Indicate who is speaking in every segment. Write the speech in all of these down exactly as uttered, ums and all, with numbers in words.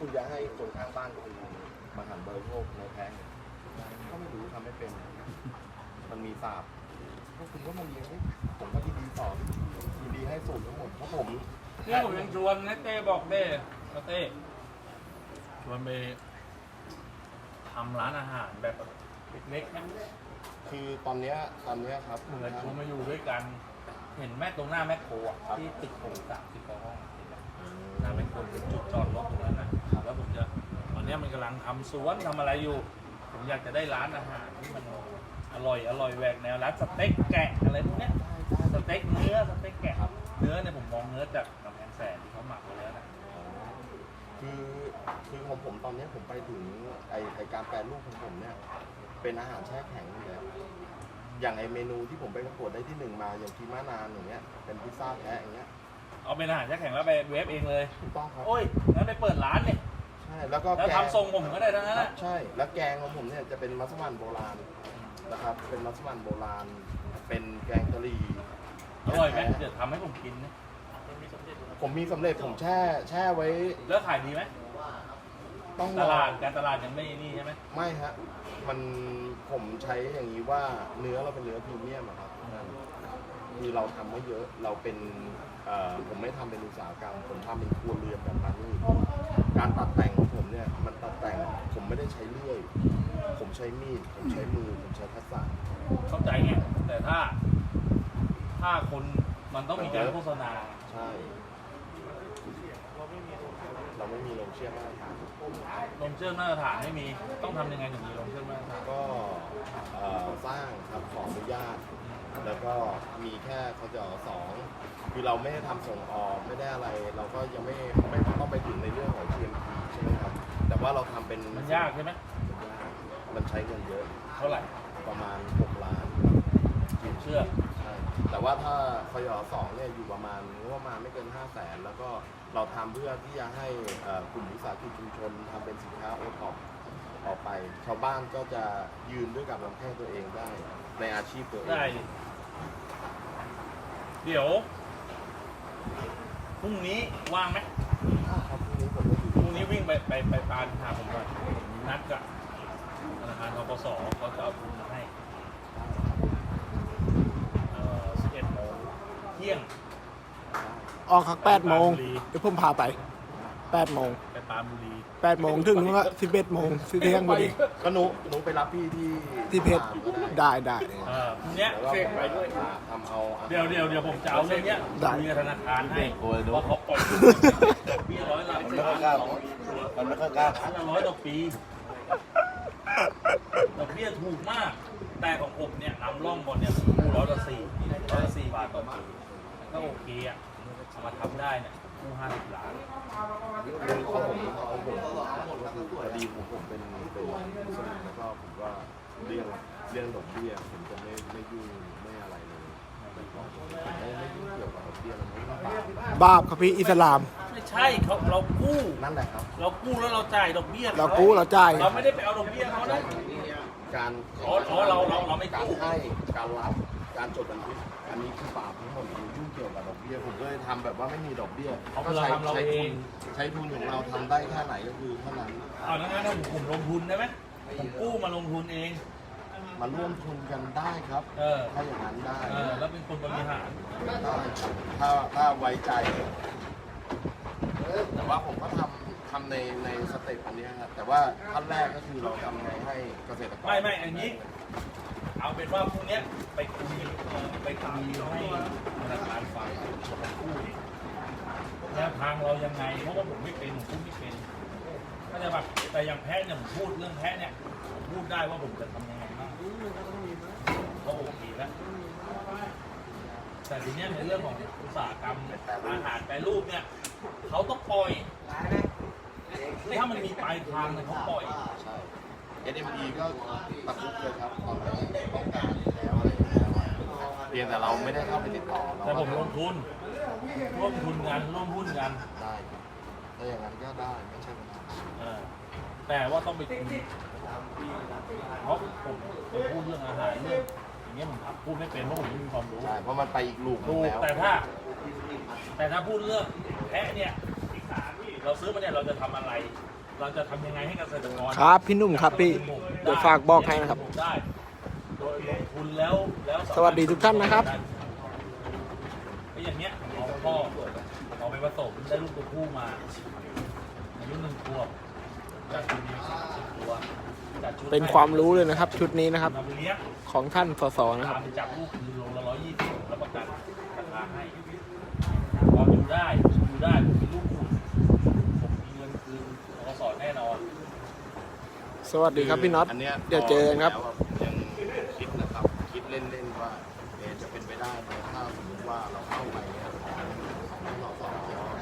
Speaker 1: คุณจะให้คนข้างบ้านคุณมาหั่นเบอร์โชคในแพงก็ไม่รู้ทำไม่เป็นมันมีศาสตร์พวกคุณก็มาเรียนผมก็ยินดีสอนยินดีให้สูตรทั้งหมดเพราะผม
Speaker 2: นี่ผมยังชวนนะเต้บอกเต้เต้ชวนไปทำร้านอาหารแบบเล็กๆนะ
Speaker 1: คือตอนเนี้ยตอนเนี้ยครับ
Speaker 2: เหมือนชวนมาอยู่ด้วยกัน เห็นแม่ตรงหน้าแม่โคอ่ะที่ตึกผมสามสิบกว่าห้องหน้าแม่โคเป็นจุดจอดรถตรงนั้นนะแล้วผมจะตอนนี้มันกำลังทำสวนทำอะไรอยู่ ผมอยากจะได้ร้านอาหารที่มันอร่อยอร่อยแหวกแนวร้านสเต็กแกะอะไรพวกเนี้ยสเต็กเนื้อสเต็กแกะเนื้อเนี่ยผมมองเนื้อจากกำแพงแสนที่เขาหมักไว้แล้วนะ
Speaker 1: คือคือของผมตอนเนี้ยผมไปถึงไอไอการแปรรูปของผมเนี่ยเป็นอาหารแช่แข็งอยู่แล้วอย่างไอเมนูที่ผมไปประกวดได้ที่หนึ่งมาอย่างทีมานานอย่างเงี้ยเป็นพิซซ่าแพะอย่างเงี้ย
Speaker 2: เอาเป็นอาหารแช่แข็งแล้วไปเวฟเองเลย
Speaker 1: ถูกต้องครับ
Speaker 2: โอ้ยงั้นไปเปิดร้านเนี่ย
Speaker 1: ใช่แล้วก็
Speaker 2: แล้ว
Speaker 1: แกง
Speaker 2: ทำทรงผมก็ได้ทั้งนั้นแหละ
Speaker 1: ใช่แล้วแกงของผมเนี่ยจะเป็นมัสมั่นโบราณนะครับเป็นมัสมั่นโบราณเป็นแกงกะหรี่
Speaker 2: อร่อยไหมเดี๋ยวทำให้ผมกินนะ
Speaker 1: ผมมีสำเร็จผมแช่แช่ไว้
Speaker 2: แล้วขายดีไหม
Speaker 1: ต้อง
Speaker 2: ต
Speaker 1: รอ
Speaker 2: ลาดการตลาดยังไม่นี่ใช่ไหม
Speaker 1: ไม่ฮะมันผมใช้อย่างนี้ว่าเนื้อเราเป็นเนื้อพรีเมียมอะครับคือเราทำไม่เยอะเราเป็นเอ่อผมไม่ทำเป็นอุตสาหกรรมผมทำเป็นครัวเรือนแบบนั้นนี่การตัดแต่งของผมเนี่ยมันตัดแต่งผมไม่ได้ใช้เลื่อยผมใช้มีดผมใช้มือผมใช้ทักษะ
Speaker 2: เข้าใจไงแต่ถ้า ถ้าคนมันต้องมีการโฆษณา
Speaker 1: ใช่เราไม่มีโรงเชื่อมมาตรฐาน
Speaker 2: ลงเชื่อมมาตรฐานไม่มีต้องทำยังไงถึงมีลงเชื่อมมาตรฐาน
Speaker 1: ก็เอ่อสร้างครับขออนุญาต แล้วก็มีแค่เขาจะสองคือเราไม่ได้ทำส่งออกไม่ได้อะไร เราก็ยังไม่ไม่ต้องไปถึงในเรื่องของ ที เอ็ม พี ใช่ไหมครับ แต่ว่าเราทำเป็น
Speaker 2: มันยากใช่ไหม
Speaker 1: มันยากมันใช้เงินเยอะ
Speaker 2: เท่าไหร่
Speaker 1: ประมาณหกล้าน
Speaker 2: เชื่อ
Speaker 1: ใช่แต่ว่าถ้าคยสองเนี่ยอยู่ประมาณงบประมาณไม่เกินห้าแสนแล้วก็เราทำเพื่อที่จะให้เอ่อกลุ่มวิสาหกิจชุมชนทำเป็นสินค้าโอท็อปออกไป ชาวบ้านก็จะยืนด้วยกับลำแข้งตัวเองได้ในอาชีพตัวเอง
Speaker 2: ได้ดิเดี๋ยวพรุ่งนี้ว่างไหม
Speaker 1: ครับพรุ่งนี้ผมก็อยู่
Speaker 2: พรุ่งนี้วิ่งไปไปไปปานหาผมก่อนนัดกับธนาคารธกสเขาจะเอาทุนมาให้เอ่อสิบเอ็ดโมงเที่ยง
Speaker 3: ออกครับแปดโมงเดี๋ยวผมพาไปแปดโมง
Speaker 2: ไปปรานบุรี
Speaker 3: แปดโมงถึงว่าสิบเอ็ดโมงสิเที่ยงพอดี
Speaker 1: ก็หนูหนูไปรับพี่ที่
Speaker 3: ที่เพชร
Speaker 1: ก็ได้
Speaker 3: ได้ได้
Speaker 2: เออพรุ่งเนี้ย
Speaker 1: แล้วก็ไปด้วยทำเอาอาหาร
Speaker 2: เดี๋ยวเดี๋ยวเดี๋ยวผมจะเอาเรื่องเนี้ย
Speaker 3: ได้
Speaker 2: คุยกับธนาคารให้เพราะเขาปล่อยเบี้ยร้อยละ
Speaker 1: มันไม่ค่อยกล้ามันไม่ค่อยกล้า
Speaker 2: พันละร้อยต่อปีดอกเบี้ยถูกมาก แต่ของผมเนี่ยนำร่องบนเนี่ยคู่ร้อยละสี่ร้อยละสี่บาทต่อปีมันก็โอเคอ่ะเอามาทำได้เนี่ยคู่ห้าสิบล้าน
Speaker 1: คือของผมของผมพอดีผมผมเป็นเป็นมุสลิมแล้วก็ผมก็เรื่องเรื่องดอกเบี้ยผมจะไม่ไม่ยุ่งไม่อะไรเลยแต่ของผมไม่ไม่ยุ่งเกี่ยวกับดอกเบี้ยมันไม่บาป
Speaker 3: บาปครับพี่อิสลาม
Speaker 2: ไม่ใช่เขาเรากู้
Speaker 1: นั่นแหละครับ
Speaker 2: เรากู้แล้วเราจ่ายดอกเบี้ยข
Speaker 3: เรากู้เราจ่าย
Speaker 2: เราไม่ได้ไปเอาดอกเบี้ยเขานะ
Speaker 1: การ
Speaker 2: อ๋ออ๋อเราเราเราไม่
Speaker 1: การ
Speaker 2: กู้
Speaker 1: ให้การรับการจดบันทึกอันนี้คือบาปทั้งหมดผมยุ่งเกี่ยวกับดอกเบี้ยผมก็เลยทำแบบว่าไม่มีดอกเบี้ย
Speaker 2: เอา
Speaker 1: ก็
Speaker 2: เรา
Speaker 1: ใช้
Speaker 2: ทำเรา
Speaker 1: ใช้
Speaker 2: เอ
Speaker 1: ทุ
Speaker 2: ง
Speaker 1: นใช้ทุนของเราทำได้แค่ไหนก็คือเท่านั้น
Speaker 2: เอางั้นถ้าผมผมลงทุนได้ไหมผมกู้มาลงทุนเอง
Speaker 1: มาร่วมทุนกันได้ครับ
Speaker 2: เออ
Speaker 1: ถ้าอย่างนั้นได้
Speaker 2: เออแล้วเป็นคนบริหาร
Speaker 1: ได้ครับถ้าถ้าไว้ใจ แต่ว่าผมก็ทำทำในในสเต็ปอันนี้ครับแต่ว่าขั้นแรกก็คือเราทำไงให้เกษตรกร
Speaker 2: ไม่ไม่อันนี้ เอาเป็นว่าพรุ่งเนี้ยไปคุยไปคุยให้ธนาคารฟังผมกู้ดิแนวทางเรายังไงเพราะว่าผมไม่เป็นผมพูดไม่เป็นก็จะแบบแต่อย่างแพ้เนี่ยผมพูดเรื่องแพ้เนี่ยผมพูดได้ว่าผมจะทำยังไงบ้างก็โอเคแล้วแต่ทีเนี้ยในเรื่องของอุตสาหกรรมอาหารแปรรูปเนี่ยเขาต้องปล่อยถ้ามันมีปลายทางเนี่ยเขาปล่อย
Speaker 1: ใช่ เอส เอ็ม อี ก็ตะคุบเลยครับตอนนี้ต้องการแล้วอะไรอย่างเงี้ยเพียงแต่เราไม่ได้เข้าไปติดต่อเรา
Speaker 2: แต่ผมลงทุนร่วมทุนกันร่วมหุ้นกัน
Speaker 1: ได้ถ้าอย่างนั้นก็ได้ไม่ใช่ปัญหา
Speaker 2: เออแต่ว่าต้องไปคุยเพราะผมไปพูดเรื่องอาหารเรื่องอย่างเงี้ยผมพูดไม่เป็นเพราะผมไม่มีความรู้
Speaker 1: ใช่เพราะมันไปอีกลูกหนึ
Speaker 2: ถู
Speaker 1: ง
Speaker 2: ก
Speaker 1: แล้ว
Speaker 2: แต่ถ้า แต่ถ้าพูดเรื่องแพะเนี่ยเราซื้อมาเนี่ยเราจะทำอะไร เราจะทำยังไงให้เกษตรกร
Speaker 3: ครับพี่หนุ่มครับพี่เดี๋ยวฝากบอกให้นะครับ
Speaker 2: ได้โดยลงทุนแล้วแล้ว
Speaker 3: สวัสดีทุกท่านนะครับ
Speaker 2: ไอ้อย่างเนี้ยเอาพ่อเอาไปผสมได้ลูกตัวผู้มาอายุหนึ่งขวบจากชุดนี้สิบตัวจากชุด
Speaker 3: เป็นความรู้เลยนะครับ ชุดนี้นะครับ
Speaker 2: เอาไปเลี้ยง
Speaker 3: ของท่านสสนะครับ
Speaker 2: ตามจับลูกคือโลละร้อยยี่สิบแล้วประกันราคาให้พออยู่ได้อยู่ได้ผมมีลูกขุนผมมีเงินคืนธกสแน่นอน
Speaker 3: สวัสดีครับพี่น็อต
Speaker 1: อันเนี้ย
Speaker 3: เดี๋ยวเจอกันครับ
Speaker 1: แล้วผมยังคิดนะครับคิดเล่นๆว่าเอ๊ะจะเป็นไปได้ไหมถ้าสมมติว่าเราเข้าไปเนี่ยของของสส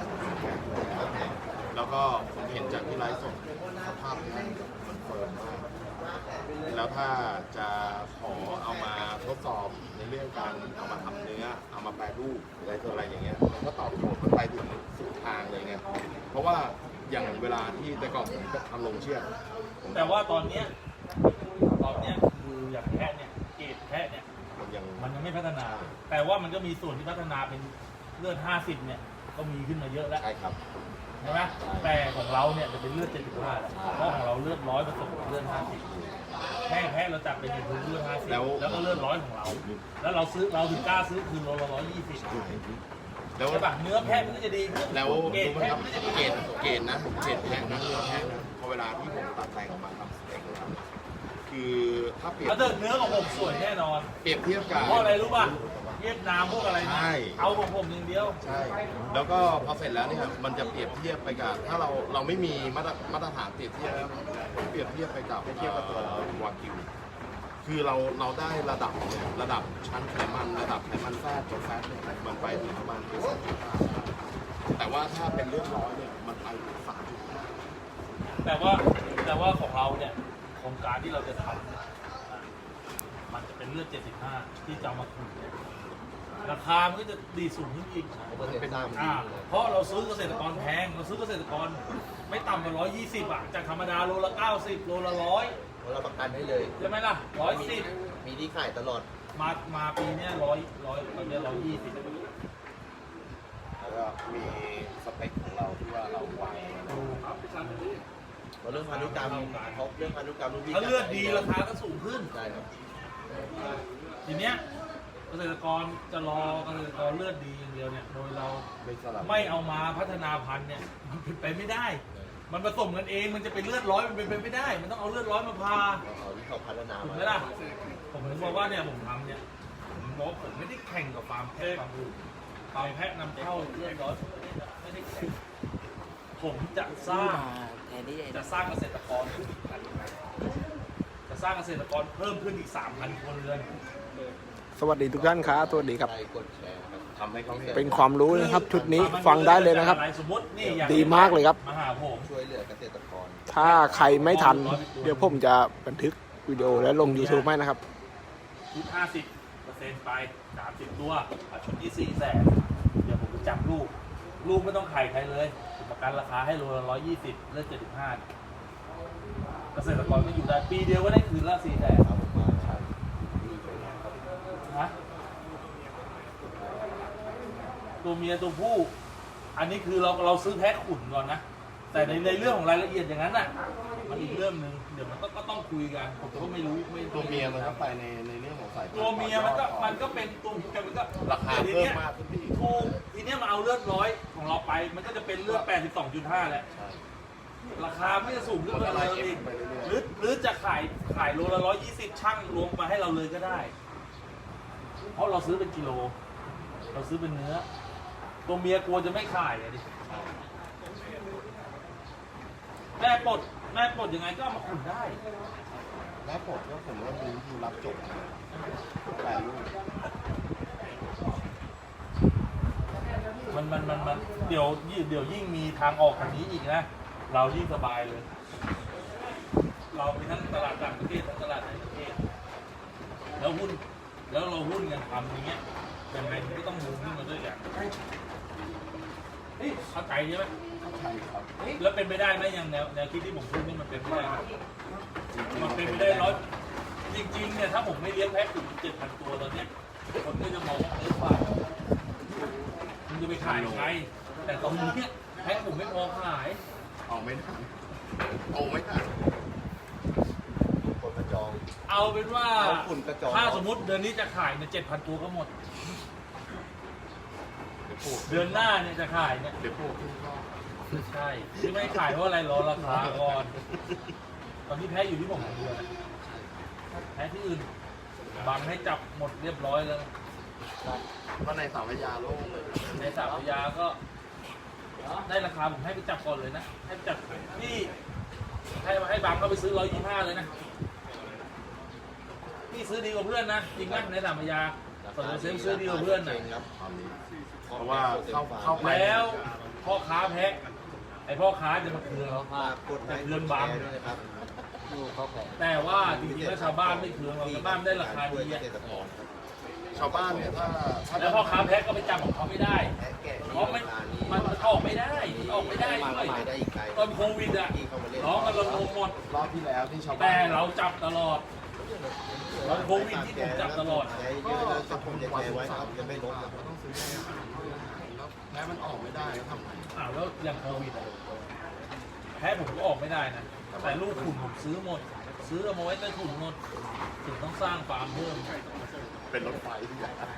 Speaker 1: แล้วก็ผมเห็นจากที่ไลฟ์สดสภาพเนี่ยมันเฟิร์มมากแล้วถ้าจะขอเอามาทดสอบในเรื่องการเอามาทำเนื้อเอามาแปรรูปอะไรตัวอะไรอย่างเงี้ยมันก็ตอบโจทย์มันไปถึงสุดทางเลยไงเพราะว่าอย่างเวลาที่แต่ก่อนผมก็ทำลงเชือกผม
Speaker 2: แต่ว่าตอนเนี้ยตอนเนี้ยคืออย่างแพะเนี่ยเกรดแพะเนี่ย
Speaker 1: มันยัง
Speaker 2: มันยังไม่พัฒนา แต่ว่ามันก็มีส่วนที่พัฒนาเป็นเลือดห้าสิบเนี่ยก็มีขึ้นมาเยอะแล้ว
Speaker 1: ใช่ครับ
Speaker 2: ใช่ไหมแต่ของเราเนี่ยจะเป็นเลือดเจ็ดสิบห้าแล้วเพราะของเราเลือดร้อยผสมกับเลือดห้าสิบแพ้แพ้เราจับเป็นพื้นเลือดห้าสิบ
Speaker 1: แล้ว
Speaker 2: แล้วก็เลือดร้อยของเรา แล้วเราซื้อเราถึงกล้าซื้อคือโลละร้อยยี่สิบ
Speaker 1: แล้ว
Speaker 2: ใช่ปะเนื้อแพะมันก็จะดีขึ้น
Speaker 1: แล้ว
Speaker 2: เกรด
Speaker 1: รู้ไหม
Speaker 2: แพะ
Speaker 1: ครับ
Speaker 2: มันก็จะดี
Speaker 1: เกรดเกรดนะเกรดแพะนะเนื้อแพะนะพอเวลาที่ผมตัดแต่งออกมาทำสเต็กแล้วคือถ้าเปรียบ
Speaker 2: แล้วเดินเนื้อของผมสวยแน่นอน
Speaker 1: เปรียบเทียบกับ
Speaker 2: เพราะอะไรรู้ป่ะเวียดนามพวกอะไร
Speaker 1: ใช่
Speaker 2: เอาของผมอย่างเดียว
Speaker 1: ใช่ แล้วก็พอเสร็จแล้วเนี่ยมันจะเปรียบเทียบไปกับถ้าเราเราไม่มีมาตรมาตรฐานเปรียบเทียบแล้วผมเปรียบเทียบไปกับเทียบกับตัววากิวคือเราเราได้ระดับเนี่ยระดับชั้นไขมันระดับไขมันแทรกตัวแฟตเนี่ยมันไปถึงประมาณสองจุดห้าแต่ว่าถ้าเป็นเลือดร้อยเนี่ยมันไปถึงสามจุดห้า
Speaker 2: แต่ว่าแต่ว่าของเราเนี่ยโครงการที่เราจะทำเนี่ยมันจะเป็นเลือดเจ็ดสิบห้าที่จะเอามาคุยเนี่ยราคามันก็จะดีสูงขึ้นอีก
Speaker 1: เป็นตาม
Speaker 2: อ่าเพราะเราซื้อเกษตรกรแพงเราซื้อเกษตรกรไม่ต่ำกว่าร้อยยี่สิบอ่ะจากธรรมดาโลละเก้าสิบโลละร้อย
Speaker 4: เราประกันให้เลย
Speaker 2: ใช่ไหมล่ะร้อยสิบ
Speaker 4: มีที่ขายตลอด
Speaker 2: มามาปีเนี้ยร้อยร้อยตอนเนี้ร้อยยี่สิบ
Speaker 1: แล้วก็มีสเปคของเราที่ว่าเราวาง
Speaker 4: เพราะเรื่องพันธุกรรมเขาเรื่องพันธุกรรมลูกพี่
Speaker 2: ถ้าเลือดดีราคาก็สูงขึ้น
Speaker 4: ได้ครับ
Speaker 2: ทีเนี้ยเกษตรกรจะรอเกษตรกรเลือดดีอย่างเดียวเนี่ยโดยเรา
Speaker 1: ไม่สลับ
Speaker 2: ไม่เอามาพัฒนาพันธุ์เนี่ยมันเป็นไปไม่ได้ มันผสมกันเองมันจะเป็นเลือดร้อยมันเป็นไปไม่ได้ มันต้องเอาเลือดร้อยมาพา
Speaker 4: เอาที่เขาพัฒนา
Speaker 2: ถูก
Speaker 4: มา
Speaker 2: ไหมล่ะผมถึงบอกว่าเนี่ยผมทำเนี่ยผมบอกว่าผมไม่ได้แข่งกับฟาร์มแพะฟาร์มอื่นฟาร์มแพะนำเข้าเลือดร้อยผมไม่ได้ไม่ได้แข่งผมจะสร้างจะสร้างเกษตรกรขึ้นอีกพันจะสร้างเกษตรกรเพิ่มขึ้นอีกสามพันคนเรือน
Speaker 3: สวัสดีทุกท่านครับสวัสดีครับ
Speaker 4: ใครกดแชร์ครับ
Speaker 1: ทำให้เขาเห็น
Speaker 3: เป็นความรู้นะครับ ชุดนี้ฟังได้เลยนะครับ
Speaker 2: สมมตินี่อย่าง
Speaker 3: ดีมากเลยครับ
Speaker 2: มาหาผม
Speaker 4: ช่วยเหลือเกษตรกร
Speaker 3: ถ้าใครไม่ทัน เดี๋ยวผมจะบันทึกวิดีโอและลง YouTube ให้นะครับ
Speaker 2: ชุดห้าสิบเปอร์เซ็นต์ไปสามสิบตัวอ่ะชุดที่สี่แสนเดี๋ยวผมจะจับลูก ลูกไม่ต้องไข่ใครเลยผมประกันราคาให้โลละร้อยยี่สิบเลือดเจ็ดสิบห้าเกษตรกรก็อยู่ได้ปีเดียวก็ได้คืนละสี่แสน
Speaker 4: ครับผมมาใช่
Speaker 2: นะตัวเมียตัวผู้ อันนี้คือเราเราซื้อแพ็คขุนก่อนนะ แต่ในในเรื่องของรายละเอียดอย่างนั้นน่ะ มันอีกเรื่องหนึ่งเดี๋ยวมันก็ก็ต้องคุยกันผมก็ไม่รู้ไม่
Speaker 1: ตัวเมียมันก็ไปในในเรื่องของสายพันธุ์
Speaker 2: ตัวเมียมันก็มันก็เป็นตัวเมียมันก็
Speaker 1: ราคา
Speaker 2: ที
Speaker 1: เพิ่ม
Speaker 2: นี้ย
Speaker 1: มากขึ้นไปอีก
Speaker 2: ถูกทีเนี้ยมาเอาเลือดร้อยของเราไป มันก็จะเป็นเลือด แปดสิบสองจุดห้า แหละ
Speaker 1: ใช่
Speaker 2: ราคาไม่จะสูงขึ้น
Speaker 1: มันก็
Speaker 2: มา
Speaker 1: ไล่
Speaker 2: เลย
Speaker 1: เอฟ
Speaker 2: อีก
Speaker 1: ไปเรื่อยๆ
Speaker 2: หรือหรือจะขายขายโลละร้อยยี่สิบช่างรวมมาให้เราเลยก็ได้ เพราะเราซื้อเป็นกิโล เราซื้อเป็นเนื้อ ตัวเมียกลัวจะไม่ขายอะดิแม่ปลดแม่ปลดยังไงก็เอามาขุนได้
Speaker 1: แล้วผมก็ผมก็มีวิธีรับจบนะแปลรูป
Speaker 2: มันมันมันมันเดี๋ยวยิ่งเดี๋ยวยิ่งมีทางออกทางนี้อีกนะ เรายิ่งสบายเลย เรามีทั้งตลาดต่างประเทศทั้งตลาดในประเทศ แล้วหุ้น แล้วเราหุ้นกันทำอย่างเงี้ยยังไงมันก็ต้องมูขึ้นมาด้วยกันเฮ้ยเข้าใจใช่ไหม
Speaker 1: ใช่ครับ
Speaker 2: แล้วเป็นไปได้ไหมอย่างแนวแนวคิดที่ผมพูดนี่มันเป็นไปได้ไหมมันเป็นไปได้ร้อยจริงๆเนี่ยถ้าผมไม่เลี้ยงแพะถึงเจ็ดพันตัวตอนเนี้ยคนก็จะมองว่าเออว่ามันจะไปขายใครแต่ตรงนี้แพ้ผมไม่พอขาย
Speaker 1: ออกไม่ทันออกไม่ทัน
Speaker 4: คนกระจอง
Speaker 2: เอาเป็นว่า
Speaker 4: เอาฝุ่นกระจอง
Speaker 2: ถ้าสมมติเดือนนี้จะขายเนี่ยเจ็ดพันตัวก็หมด
Speaker 1: เดี๋ยวพูด
Speaker 2: เดือนหน้าเนี่ยจะขายเนี่ย
Speaker 1: เดี๋ยวพูดขึ้นก็
Speaker 2: ใช่ที่ไม่ขายเพราะอะไรรอราคาก่อน ตอนนี้แพ้อยู่ที่ผมคนเดียวนะแพ้ที่อื่นบังให้จับหมดเรียบร้อยแล้ว
Speaker 1: ก็ในสามพยาโล่งเลย
Speaker 2: ในสามพยาก็ ได้ราคาผมให้ไปจับก่อนเลยนะให้ไปจับพี่ให้ให้บังเขาไปซื้อร้อยยี่ห้าเลยนะพี่ซื้อดีกว่าเพื่อนนะจริงไหมในสามพยาสมมติซื้อดีกว่าเพื่อนนะ
Speaker 1: ครับตอนนี้เพราะว่าเข้าเข้าไป
Speaker 2: แล้วพ่อค้าแพ้ไอพ่อค้าจะมาคืนเรา
Speaker 4: ฝากกดไลค์กดแชร์ด้วยนะครับ
Speaker 2: แต่ว่าจริงๆแล้วชาวบ้านไม่คืนเราชาวบ้านได้ราคาดี
Speaker 4: เก
Speaker 2: อะ
Speaker 4: ษตรกรครับ
Speaker 1: ชาวบ้านเนี่ยถ้าถ้า
Speaker 2: แล้วพ่อค้าแพ้ก็ไปจับของเขาไม่ได้
Speaker 4: แพะแกะ
Speaker 2: เพราะไม่มันมันออกไม่ได้มันออกไม่ได้
Speaker 4: มา
Speaker 2: ด้วย
Speaker 4: ใหม่ได้อีกไกล
Speaker 2: ตอนโควิดอะ
Speaker 4: ที่เข้ามาเล่น
Speaker 2: น้องกันระงมหมด
Speaker 1: รอบที่แล้วที่ชาวบ้าน
Speaker 2: แต่เราจับตลอด ตอนโควิดที่ผมจับตลอด
Speaker 4: ใจเยอะแล้วจะผมจะแชร์ไว้ครับจะไม่ลบครับ
Speaker 1: ก็ต้องซื้อให้อาหารแล้วแพ้มันออกไม่ได้ก็ทำไง
Speaker 2: อ้าวแล้วอย่างโควิดอะแพ้ผมก็ออกไม่ได้นะ แต่ลูกขุนผมซื้อหมด ซื้อเอามาไว้ใต้ถุนหมดถึงต้องสร้างฟาร์มเพิ่ม
Speaker 1: เป็นรถไฟที่ใหญ่
Speaker 2: นะ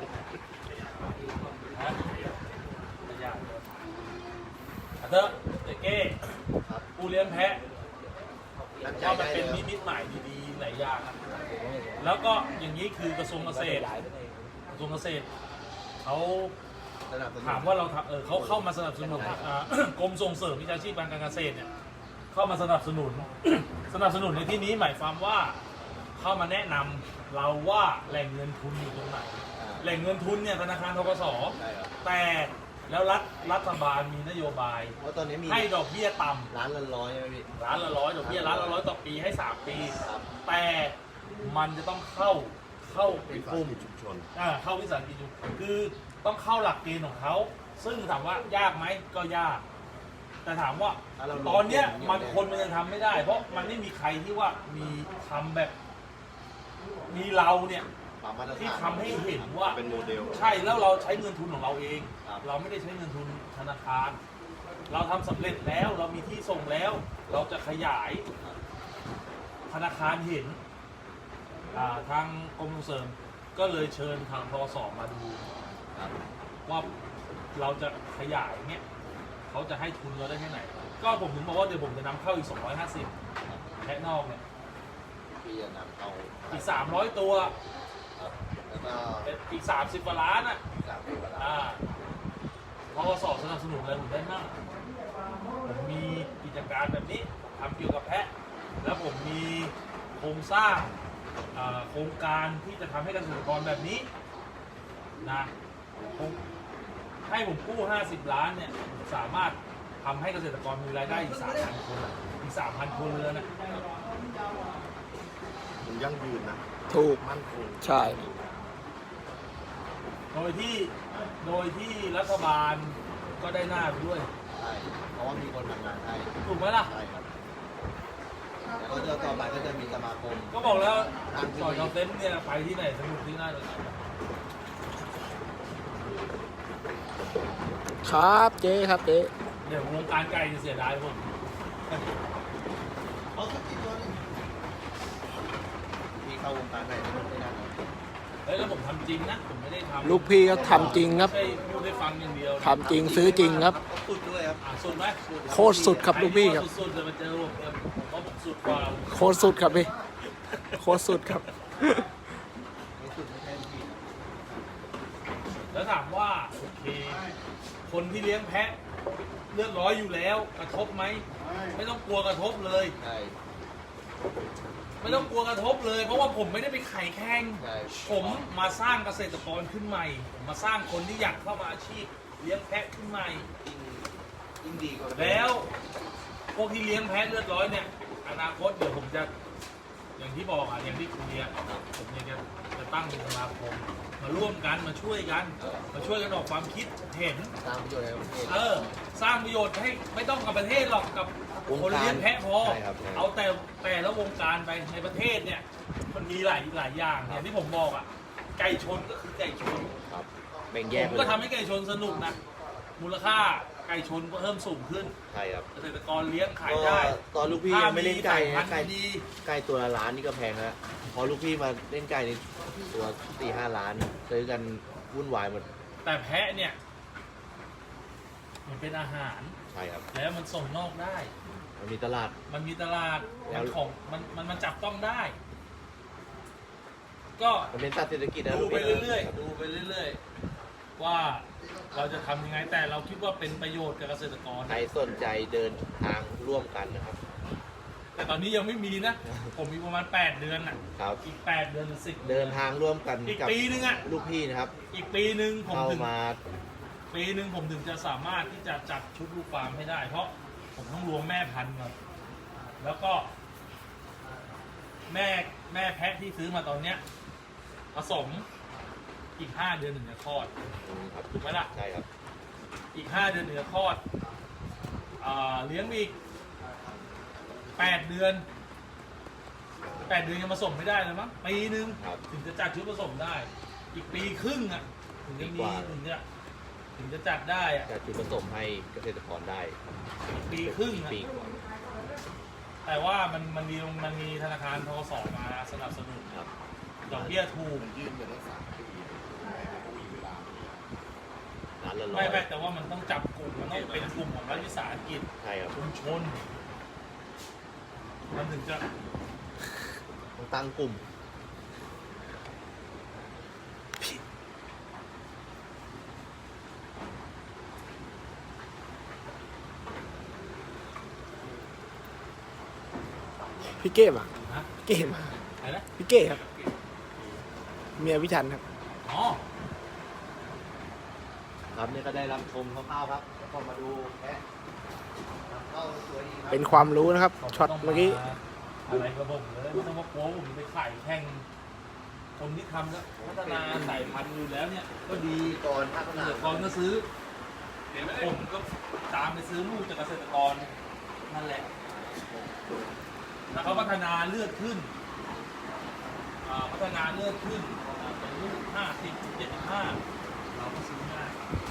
Speaker 2: ไม่ยากเลยอ่ะเถอะเจ๊เก้
Speaker 4: ครับ
Speaker 2: กูเลี้ยงแพะ
Speaker 4: น้ำใจ
Speaker 2: ว่ามัน
Speaker 4: ได้
Speaker 2: เป็น
Speaker 4: เลย
Speaker 2: นิมิตหมายดีๆหลายอย่างนะแล้วก็อย่างนี้คือกระทรวงเกษตร กระทรวงเกษตรเขา
Speaker 4: สนับสนุน
Speaker 2: ถามว่าเราทำเออเขาเข้ามาสนับสนุนอ่ากรมส่งเสริมวิชาชีพการเกษตรเนี่ยเข้ามาสนับสนุน สนับสนุนในที่นี้หมายความว่าเข้ามาแนะนำเราว่าแหล่งเงินทุนอยู่ตรงไหน
Speaker 4: อ่า
Speaker 2: แหล่งเงินทุนเนี่ยธนาคารธกส
Speaker 4: ใช่ครับ
Speaker 2: แต่แล้วรัฐรัฐบาลมีนโยบาย
Speaker 4: เพราะตอนนี้มี
Speaker 2: ให้ดอกเบี้ยต่ำ
Speaker 4: ร้านละร้อยใช่ไหมพี่
Speaker 2: ร้านละร้อยดอกเบี้ยร้านละร้อยต่อปีให้สามปี
Speaker 4: ครับ
Speaker 2: แต่มันจะต้องเข้าเข้าเป็
Speaker 1: เป็น น
Speaker 2: กลุ่ม
Speaker 1: กิจชุมชน
Speaker 2: อ่าเข้าวิสาหกิจชุมชนคือต้องเข้าหลักเกณฑ์ของเขา ซึ่งถามว่ายากไหมก็ยาก แต่ถามว่า
Speaker 4: ถ้าเราลง
Speaker 2: ตอนเนี้ย
Speaker 4: ทุน
Speaker 2: มัน
Speaker 4: เนี่ย
Speaker 2: คนมันยังทำไม่ได้ เพราะมันไม่มีใครที่ว่ามีทำแบบ มีเราเนี่ย
Speaker 4: ปรับมาตรฐาน
Speaker 2: ที่ทำให้เห็นว่า
Speaker 1: เป็นโมเดล
Speaker 2: ใช่แล้วเราใช้เงินทุนของเราเอง
Speaker 4: ครับ
Speaker 2: เราไม่ได้ใช้เงินทุนธนาคาร เราทำสำเร็จแล้วเรามีที่ส่งแล้ว เราจะขยายธนาคารเห็นอ่าทางกรมส่งเสริมก็เลยเชิญทางทสมาดู
Speaker 4: ครับ
Speaker 2: ว่าเราจะขยายเนี่ยเขาจะให้ทุนเราได้แค่ไหน ก็ผมถึงบอกว่าเดี๋ยวผมจะนำเข้าอีกสองร้อยห้าสิบแพะนอกเนี่ย
Speaker 4: พี่จะนำเอา
Speaker 2: อีกสามร้อยตัว
Speaker 4: ครับแล้วก็
Speaker 2: อีกสามสิบกว่าล้านอ่ะ
Speaker 4: สามสิบกว่าล้าน
Speaker 2: อ่าพอสอบสนับสนุนอะไรผมได้มากผมมีกิจการแบบนี้ทำเกี่ยวกับแพะ แล้วผมมีโครงสร้างอ่าโครงการที่จะทำให้เกษตรกรแบบนี้นะผมให้ผมกู้ห้าสิบล้านเนี่ยผมสามารถทำให้เกษตรกรมีรายได้อีกสามพันคนอีกสามพันคนเลยนะ
Speaker 1: มันยั่งยืนนะ
Speaker 3: ถูก
Speaker 1: มั่นคง
Speaker 3: ใช่
Speaker 2: โดยที่โดยที่รัฐบาลก็ได้หน้าไปด้วย
Speaker 4: ใช่เพราะว่ามีคนทำงานให้
Speaker 2: ถูกไหมล่ะ
Speaker 4: ใช่ครับแล้วก็จะต่อไปก็จะมีสมาคม
Speaker 2: ก็บอกแล้วก่อนเราเต้นเนี่ยไปที่ไหนสนุกที่นั่นเลย
Speaker 3: ครับเจ๊ครับเจ๊
Speaker 2: เดี๋ยววงการไก่จะเสียดายผม
Speaker 4: เอาสักกี่ตัวนี่มีเข้าวงการไหนไม่ได้นะ
Speaker 2: เฮ้ยแล้วผมทำจริงนะผมไม่ได้ทำ
Speaker 3: ลูกพี่ก็ทำจริงครับ
Speaker 2: ไม่ใช่พูดได้ฟังอย่างเดียวนะ
Speaker 3: ทำจริงซื้อจริงครับ
Speaker 4: สุดด้วยครับ
Speaker 2: อ่ะสุดไหม
Speaker 3: โคตรสุดครับลูกพี่ครับ
Speaker 2: สุดๆจะมาเจอผมเนี่ยผมว่าผมสุดกว่า
Speaker 3: โคตรสุดครับพี่โคตรสุดครับ
Speaker 4: ไม่สุดไม่ใช่พี่
Speaker 2: แล้วถามว่าโอเคคนที่เลี้ยงแพะเลือดร้อยอยู่แล้วกระทบไหมไม่ต้องกลัวกระทบเลย
Speaker 4: ใช่
Speaker 2: ไม่ต้องกลัวกระทบเลย เพราะว่าผมไม่ได้ไปไข่แข่ง
Speaker 4: ใช่
Speaker 2: ผมมาสร้างเกษตรกรขึ้นใหม่ผมมาสร้างคนที่อยากเข้ามาอาชีพเลี้ยงแพะขึ้นใหม่
Speaker 4: ยิ่งยิ่งดีกว่า
Speaker 2: แล้วพวกที่เลี้ยงแพะเลือดร้อยเนี่ยอนาคตเดี๋ยวผมจะอย่างที่บอกอ่ะอย่างที่คุยอ่ะผมเนี่ยจะจะตั้งเป็นสมาคมมาร่วมกันมาช่วยกัน มาช่วยกันออกความคิดเห็น
Speaker 4: ตามประโยชน์ในประเทศ
Speaker 2: เออสร้างประโยชน์ให้ไม่ต้องกับประเทศหรอกกับ
Speaker 4: วง
Speaker 2: คน
Speaker 4: การ
Speaker 2: เลี้ยงแพะพอ
Speaker 4: ใช่ครับใช่
Speaker 2: เอาแต่แต่ละวงการไปในประเทศเนี่ยมันมีหลายหลายอย่างเนี่ยที่ผมบอกอ่ะไก่ชนก็คือไก่ชน
Speaker 4: ครับแบ่งแย
Speaker 2: ผ
Speaker 4: ก
Speaker 2: ม
Speaker 4: ไป
Speaker 2: ก็ทำให้ไก่ชนสนุกนะมูลค่าไก่ก่ชนก็เพิ่มสูงขึ้น
Speaker 4: ใช่ครับ
Speaker 2: เกษตรกรเลี้ยงขาย
Speaker 4: ก็
Speaker 2: ได้
Speaker 4: ตอนลูกพี่ยังไม่เล่นไก่
Speaker 2: ถ้ามี
Speaker 4: นะ
Speaker 2: สายพั
Speaker 4: ไก่
Speaker 2: นธุ์ดี
Speaker 4: ไก่ตัวละล้านนี่ก็แพงแล้วพอลูกพี่มาเล่นไก่นี่ตัวสี่ห้าล้านซื้อกันวุ่นวายหมด
Speaker 2: แต่แพะเนี่ย มันเป็นอาหาร
Speaker 4: ใช่ครับ
Speaker 2: แล้วมันส่งนอกได้
Speaker 4: มันมีตลาด
Speaker 2: มันมีตลาด
Speaker 4: แล้
Speaker 2: มั
Speaker 4: ว
Speaker 2: นของมันมันมันจับต้องได้ ก็
Speaker 4: มันเป็นสัตว์เศรษฐกิจนะ
Speaker 2: ดู
Speaker 4: ลูก
Speaker 2: ไป
Speaker 4: พี่
Speaker 2: เรื่อยๆดูไปเรื่อยๆว่าเราจะทำยังไงแต่เราคิดว่าเป็นประโยชน์กับเกษตรกร
Speaker 4: ใครสนใจเดินทางร่วมกันนะครับ
Speaker 2: แต่ตอนนี้ยังไม่มีนะ ผมมีประมาณแปดเดือนอ่ะ
Speaker 4: ครับ
Speaker 2: อีกแปดเดือนหรือสิบ
Speaker 4: เดินทางร่วมกัน
Speaker 2: อีก
Speaker 4: กับ
Speaker 2: ปีนึงอ่ะ
Speaker 4: ลูกพี่นะครับ
Speaker 2: อีกปีหนึ่งผม
Speaker 4: เข้า
Speaker 2: ถึง
Speaker 4: มา
Speaker 2: ปีหนึ่งผมถึงจะสามารถที่จะจัดชุดลูกฟาร์มให้ได้ เพราะผมต้องรวมแม่พันธุ์ก่อนแล้วก็ แม่แม่แพะที่ซื้อมาตอนเนี้ยผสมอีกห้าเดือนถึงจะคลอด
Speaker 4: ครับ
Speaker 2: ถูกไหมล่ะ
Speaker 4: ใช่ครับ
Speaker 2: อีกห้าเดือนถึงจะคลอดอ่าเลี้ยงอีกแปดเดือนแปดเดือนยังผสมไม่ได้เลยมั้งปีหนึ่ง
Speaker 4: ครับ
Speaker 2: ถึงจะจัดชุดผสมได้ อีกปีครึ่งอ่ะถึงจะ
Speaker 4: ปี
Speaker 2: มี
Speaker 4: กว่า
Speaker 2: ถึงจะถึงจะจัดได้อ่ะ
Speaker 4: จะจุดผสมให้เกษตรกรได้
Speaker 2: อีกปีครึ่งอะ
Speaker 4: ปีกว่า
Speaker 2: แต่ว่ามันมันมีมันมีธนาคารทกสมาสนับสนุน
Speaker 4: ครับ
Speaker 2: ดอกเบี้ยถูก
Speaker 1: มันยื่นไปตั้งสามปีไม่มีเวลา
Speaker 4: ร้านละร้อ
Speaker 2: ไม่
Speaker 4: ย
Speaker 2: ไม่แต่ว่ามันต้องจับกลุ่มมันต้องเป็นกลุ่มของรัฐวิสาหกิจ
Speaker 4: ใช่ครับ
Speaker 2: ชุมชน มันถึงจะ
Speaker 4: ต้องตั้งกลุ่ม
Speaker 3: พี่เก้มา
Speaker 2: ฮะ
Speaker 3: พี่เก้มา
Speaker 2: อะไรนะ
Speaker 3: พี่เก้ครับ เมียพี่ชันครับ
Speaker 2: อ๋อ
Speaker 4: ครับเนี่ยก็ได้รับชมคร่าวๆครับแล้วก็มาดูแพะเข้าสวยดีครับ
Speaker 3: เป็นความรู้นะครับ
Speaker 2: ผม
Speaker 3: ช็อต
Speaker 2: ต้ง
Speaker 3: เมื่อกี้
Speaker 2: อะไรกับผมเลยไม่ต้องมากลัวผมไปขายแข่งคนที่ทำแล้วพัฒนาสายพันธุ์อยู่แล้วเนี่ย ก็ดี
Speaker 4: ก่อนพัฒ
Speaker 2: เก
Speaker 4: นา
Speaker 2: ษตรกรก็ซื้อผมก็ตามไปซื้อลูกจากเกษตรกรนั่นแหละ แล้วเขาพัฒนาเลือดขึ้นอ่าพัฒนาเลือดขึ้นอ่าเป็นลูกห้าสิบเจ็ดสิบห้าเราก็ซื้อง่าย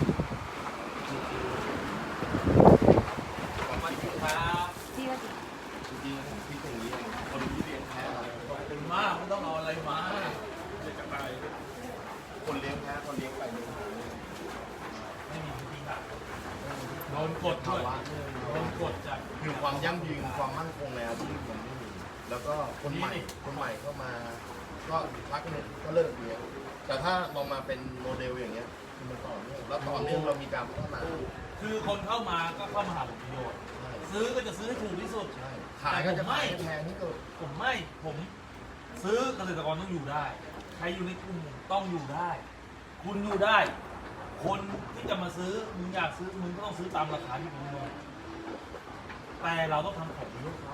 Speaker 2: ขอบคุณครับ
Speaker 5: ที่ว่า
Speaker 1: จริงๆผมคิดอย่างนี้เองคนที่เลี้ยงแพะอะไร
Speaker 2: ขอบคุณมากไม่ต้องเอาอะไรมาเด็กกระต่าย
Speaker 1: คนเลี้ยงแพะคนเลี้ยงไปเลี้ยงมา
Speaker 2: ไม่มีวิธีการโดนกดด้วยโดนกดจาก
Speaker 1: คือความยั่งยืนความมั่นคงในอาชีพมันไม่มีแล้วก็คนใหม่คนใหม่เข้ามา ก็พักหนึ่งก็เลิกเลี้ยงแต่ถ้าลองมาเป็นโมเดลอย่างเงี้ยคือมันต่อเนื่องแล้วต่อเนื่องเรามีการพัฒนา
Speaker 2: คือคนเข้ามาก็เข้ามาหาผลประโยชน์
Speaker 1: ใช่
Speaker 2: ซื้อก็จะซื้อให้ถูกที่สุด
Speaker 1: ใช่ขายก็จะขายแพงที่สุด
Speaker 2: ผมไม่ ผมซื้อเกษตรกรต้องอยู่ได้ ใครอยู่ในกลุ่มต้องอยู่ได้ คุณอยู่ได้ คนที่จะมาซื้อ มึงอยากซื้อ มึงก็ต้องซื้อตามราคาที่มึงมองแต่เราต้องทำของดีให้เขา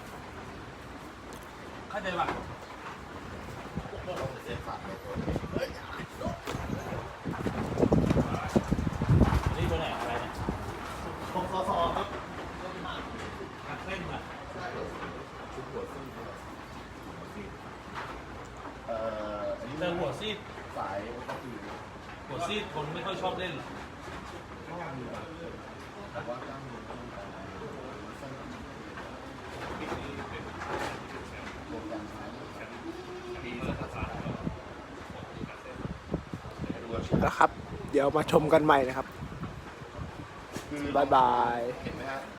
Speaker 2: เข้าใจป่ะ
Speaker 1: ต้องเสียสัตว์ในตัว
Speaker 2: นี่ตัวไหนอะไรเนี่ย
Speaker 1: ผมซอซอครับ
Speaker 2: หักเส้นอ่ะ
Speaker 1: ชุดหัวซีดเอ่ออันนี้
Speaker 2: แต่หัวซีด
Speaker 1: สายก็คือ
Speaker 2: หัวซีดคนไม่ค่อยชอบเล่นหรอก
Speaker 1: ก็มีบางคนแต่ว่ากล้ามเนื้อก็มีแต่สั้นโปรแกรมใช้ดูว่าชื่อ
Speaker 3: นะครับ เดี๋ยวมาชมกันใหม่นะครับ
Speaker 1: คือบ
Speaker 3: ายบาย
Speaker 1: เห็นไหมฮะ